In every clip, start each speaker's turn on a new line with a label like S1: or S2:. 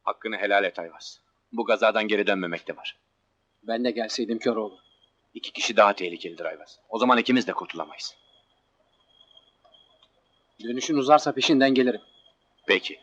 S1: Hakkını helal et Ayvaz. Bu gazadan geri dönmemek de var.
S2: Ben de gelseydim Köroğlu.
S1: 2 kişi daha tehlikelidir Ayvaz. O zaman ikimiz de kurtulamayız.
S2: Dönüşün uzarsa peşinden gelirim.
S1: Peki.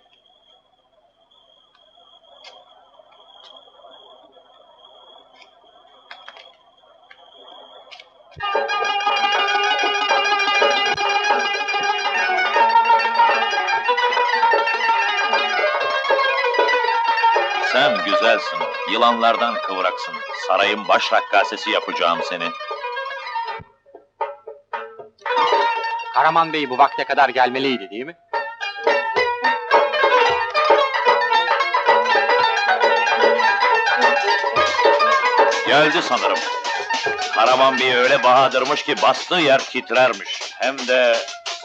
S3: Sen güzelsin, yılanlardan kıvraksın. Sarayın baş rakkasesi yapacağım seni.
S2: Karaman Bey bu vakte kadar gelmeliydi değil mi?
S3: Geldi sanırım. Karaman Bey öyle bahadırmış ki bastığı yer titrermiş. Hem de...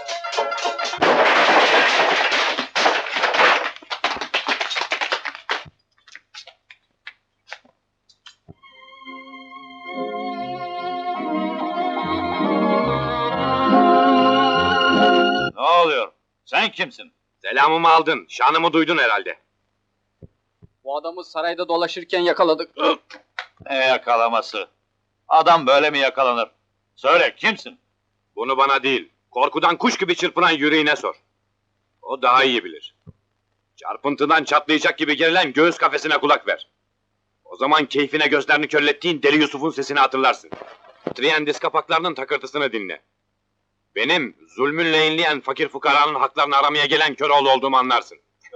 S3: Ne oluyor? Sen kimsin?
S1: Selamımı aldın, şanımı duydun herhalde.
S2: Bu adamı sarayda dolaşırken yakaladık.
S3: Ne yakalaması? Adam böyle mi yakalanır? Söyle, kimsin?
S1: Bunu bana değil, korkudan kuş gibi çırpınan yüreğine sor. O daha iyi bilir. Çarpıntıdan çatlayacak gibi gerilen göğüs kafesine kulak ver. O zaman keyfine gözlerini körlettiğin Deli Yusuf'un sesini hatırlarsın. Titreyen diz kapaklarının takırtısını dinle. Benim, zulmünle inleyen fakir fukaranın haklarını aramaya gelen Köroğlu olduğumu anlarsın.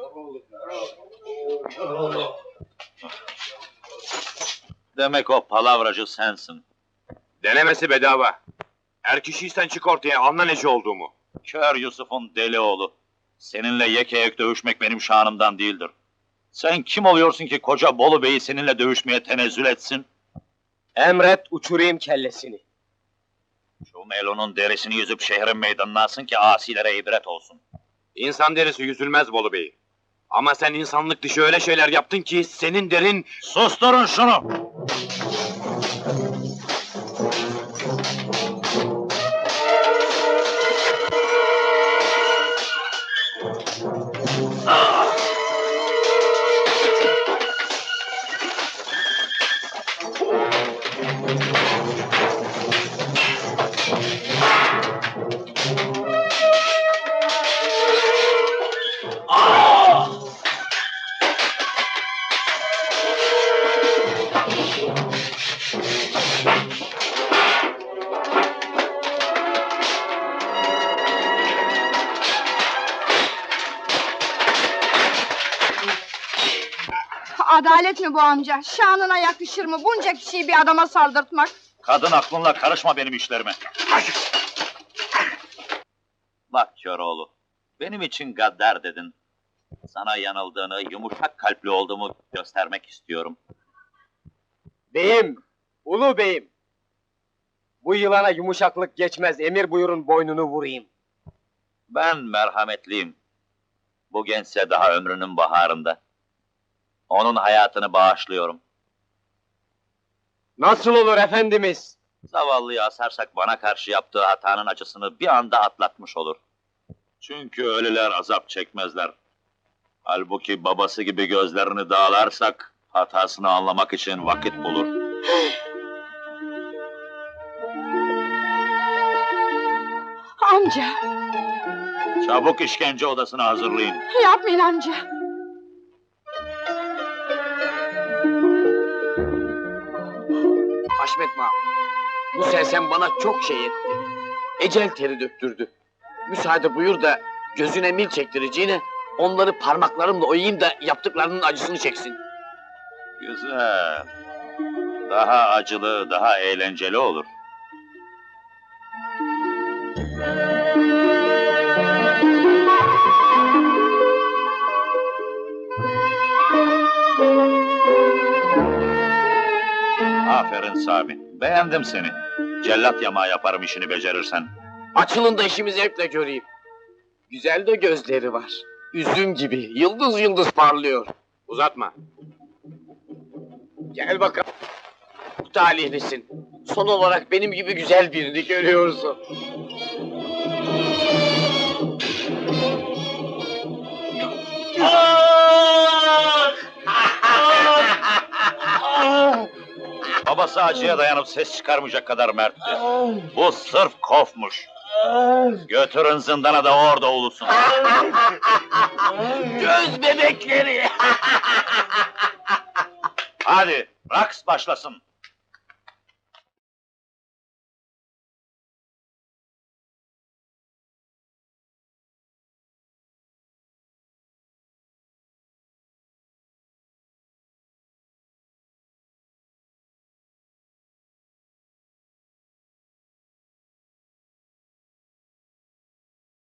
S3: Demek o palavracı sensin.
S1: Denemesi bedava. Er kişiysen çık ortaya, anla neci olduğumu.
S3: Kör Yusuf'un deli oğlu. Seninle yekeyek dövüşmek benim şanımdan değildir. Sen kim oluyorsun ki koca Bolu Bey'i seninle dövüşmeye tenezzül etsin?
S2: Emret uçurayım kellesini.
S3: Şu melonun derisini yüzüp şehrin meydanına asın ki asilere ibret olsun.
S1: İnsan derisi yüzülmez Bolu Bey. Ama sen insanlık dışı öyle şeyler yaptın ki senin derin...
S3: Susturun şunu!
S4: Adalet mi bu amca? Şanına yakışır mı bunca kişiyi bir adama saldırtmak?
S3: Kadın aklınla karışma benim işlerime. Bak Köroğlu, benim için gaddar dedin. Sana yanıldığını, yumuşak kalpli olduğumu göstermek istiyorum.
S2: Beyim, ulu beyim. Bu yılana yumuşaklık geçmez, emir buyurun boynunu vurayım.
S3: Ben merhametliyim. Bu gençse daha ömrünün baharında. Onun hayatını bağışlıyorum.
S2: Nasıl olur efendimiz?
S3: Zavallıyı asarsak bana karşı yaptığı hatanın acısını bir anda atlatmış olur. Çünkü ölüler azap çekmezler. Halbuki babası gibi gözlerini dağlarsak hatasını anlamak için vakit bulur.
S4: Amca,
S3: Çabuk işkence odasını hazırlayın.
S4: yapmayın amca.
S2: Haşmet Mağa, bu sersem bana çok şey etti. Ecel teri döktürdü. Müsaade buyur da gözüne mil çektireceğine onları parmaklarımla oyayım da yaptıklarının acısını çeksin.
S3: Güzel. Daha acılı, daha eğlenceli olur. Aferin Sami, beğendim seni. Cellat yamağı yaparım işini becerirsen.
S2: Açılın da işimi zevkle göreyim. Güzel de gözleri var. Üzüm gibi, yıldız yıldız parlıyor.
S1: Uzatma.
S2: Gel bakalım. Talihlisin. Son olarak benim gibi güzel birini görüyorsun.
S3: babası acıya dayanıp ses çıkarmayacak kadar mertti. Bu sırf kofmuş. Götürün zindana da orada ulusun.
S2: Göz bebekleri!
S3: Hadi, raks başlasın.